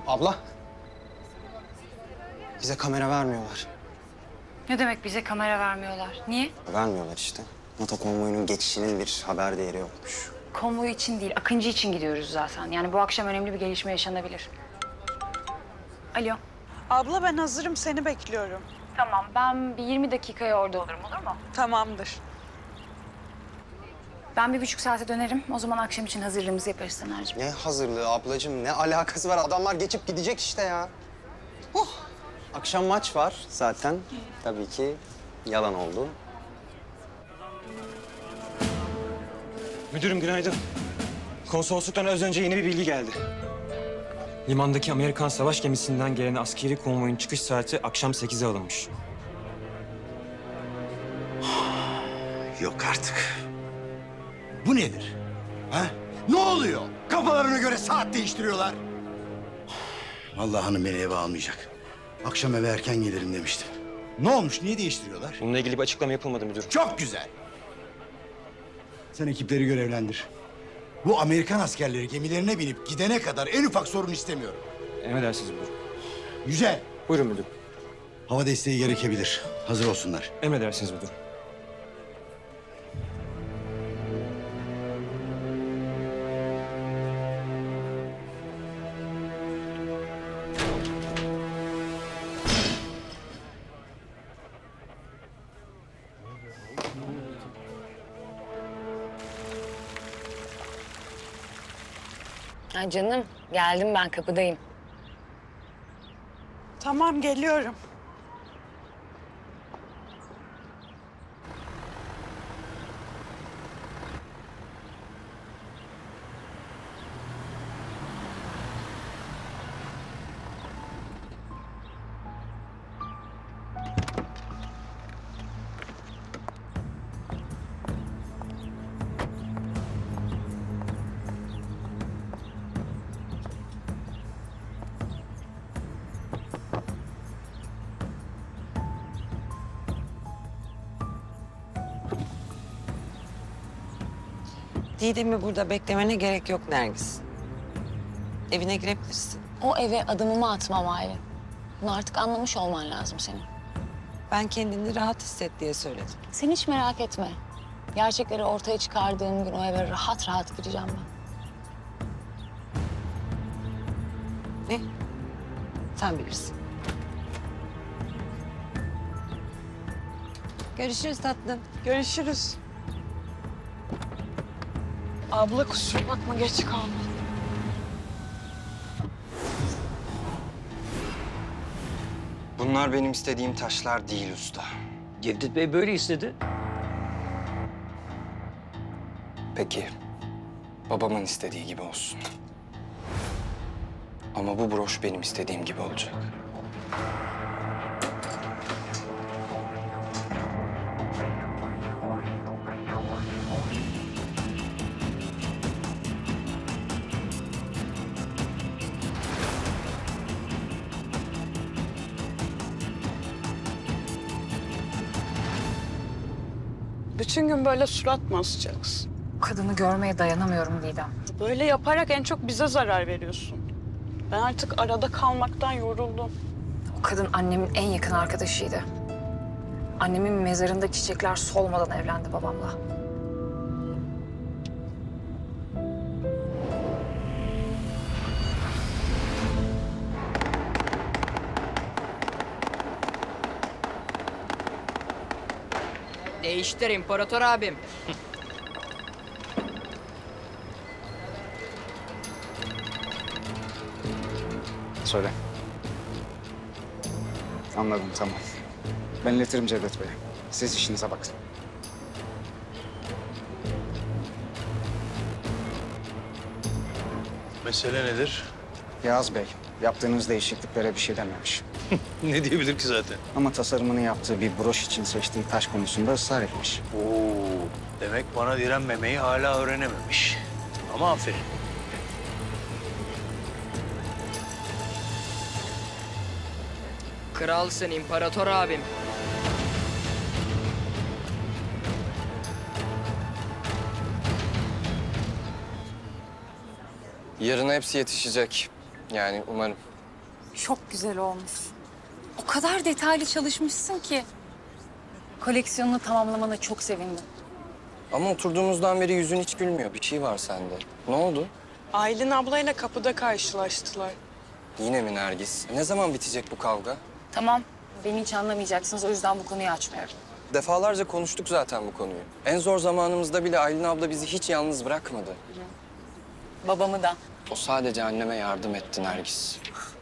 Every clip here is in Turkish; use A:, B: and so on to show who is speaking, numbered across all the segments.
A: Abla. Bize kamera vermiyorlar.
B: Ne demek bize kamera vermiyorlar? Niye?
A: Vermiyorlar işte. NATO konvoyunun geçişinin bir haber değeri yokmuş.
B: Konvoy için değil, Akıncı için gidiyoruz zaten. Yani bu akşam önemli bir gelişme yaşanabilir. Alo.
C: Abla ben hazırım, seni bekliyorum.
B: Tamam, ben bir 20 dakikaya orada olurum, olur mu?
C: Tamamdır.
B: Ben 1,5 saate dönerim. O zaman akşam için hazırlığımızı yaparız Taner'cim.
A: Ne hazırlığı ablacığım? Ne alakası var? Adamlar geçip gidecek işte ya. Akşam maç var zaten. Tabii ki yalan oldu.
D: Müdürüm günaydın. Konsolosluktan az önce yeni bir bilgi geldi. Limandaki Amerikan savaş gemisinden gelen askeri konvoyun çıkış saati akşam 8'e alınmış.
E: Yok artık. Bu nedir? Ha? Ne oluyor? Kafalarına göre saat değiştiriyorlar. Vallahi hanım beni eve almayacak. Akşam eve erken gelirim demiştim. Ne olmuş? Niye değiştiriyorlar?
D: Bununla ilgili bir açıklama yapılmadı müdürüm.
E: Çok güzel. Sen ekipleri görevlendir. Bu Amerikan askerleri gemilerine binip gidene kadar en ufak sorun istemiyorum.
D: Emredersiniz müdürüm.
E: Güzel.
D: Buyurun müdürüm.
E: Hava desteği gerekebilir. Hazır olsunlar.
D: Emredersiniz müdürüm.
B: Ha canım, geldim ben kapıdayım.
C: Tamam, geliyorum.
F: Didem'i burada beklemene gerek yok Nergis. Evine girebilirsin.
G: O eve adımımı atmam Aylin. Bunu artık anlamış olman lazım senin.
F: Ben kendini rahat hisset diye söyledim.
G: Sen hiç merak etme. Gerçekleri ortaya çıkardığım gün o eve rahat rahat gireceğim ben.
F: Ne? Sen bilirsin. Görüşürüz tatlım.
C: Görüşürüz. Abla kusura bakma, geç kaldım.
A: Bunlar benim istediğim taşlar değil usta.
H: Cevdet Bey böyle istedi.
A: Peki, babamın istediği gibi olsun. Ama bu broş benim istediğim gibi olacak.
C: Bütün gün böyle surat mı asacaksın?
B: Bu kadını görmeye dayanamıyorum Didem.
C: Böyle yaparak en çok bize zarar veriyorsun. Ben artık arada kalmaktan yoruldum.
B: O kadın annemin en yakın arkadaşıydı. Annemin mezarında çiçekler solmadan evlendi babamla.
I: Değiştir İmparator abim.
J: Söyle. Anladım, tamam. Ben iletirim Cevdet Bey'e. Siz işinize bakın.
K: Mesele nedir?
J: Yağız Bey, yaptığınız değişikliklere bir şey dememiş.
K: Ne diyebilir ki zaten?
J: Ama tasarımını yaptığı bir broş için seçtiği taş konusunda ısrar etmiş.
K: Oo, demek bana direnmemeyi hala öğrenememiş. Ama aferin.
I: Kralsın İmparator abim.
A: Yarına hepsi yetişecek. Yani umarım.
B: Çok güzel olmuş. O kadar detaylı çalışmışsın ki. Koleksiyonunu tamamlamana çok sevindim.
L: Ama oturduğumuzdan beri yüzün hiç gülmüyor. Bir şey var sende. Ne oldu?
C: Aylin ablayla kapıda karşılaştılar.
L: Yine mi Nergis? Ne zaman bitecek bu kavga?
B: Tamam, beni hiç anlamayacaksınız. O yüzden bu konuyu açmıyorum.
L: Defalarca konuştuk zaten bu konuyu. En zor zamanımızda bile Aylin abla bizi hiç yalnız bırakmadı.
B: Babamı da.
L: O sadece anneme yardım etti Nergis.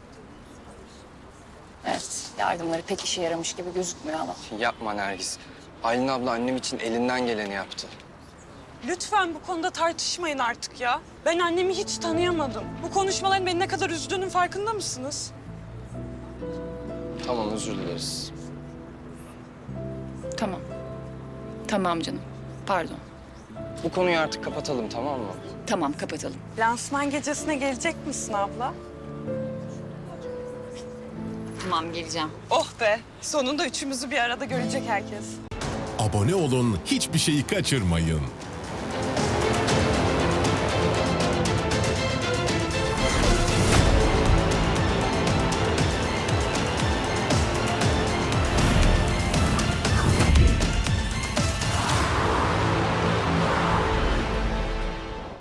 B: Evet, yardımları pek işe yaramış gibi gözükmüyor ama.
L: Yapma Nergis. Aylin abla annem için elinden geleni yaptı.
C: Lütfen bu konuda tartışmayın artık ya. Ben annemi hiç tanıyamadım. Bu konuşmaların beni ne kadar üzdüğünün farkında mısınız?
L: Tamam, özür dileriz.
B: Tamam. Tamam canım. Pardon.
L: Bu konuyu artık kapatalım, tamam mı?
B: Tamam, kapatalım.
C: Lansman gecesine gelecek misin abla?
B: Tamam, geleceğim.
C: Oh be, sonunda üçümüzü bir arada görecek herkes.
M: Abone olun, hiçbir şeyi kaçırmayın.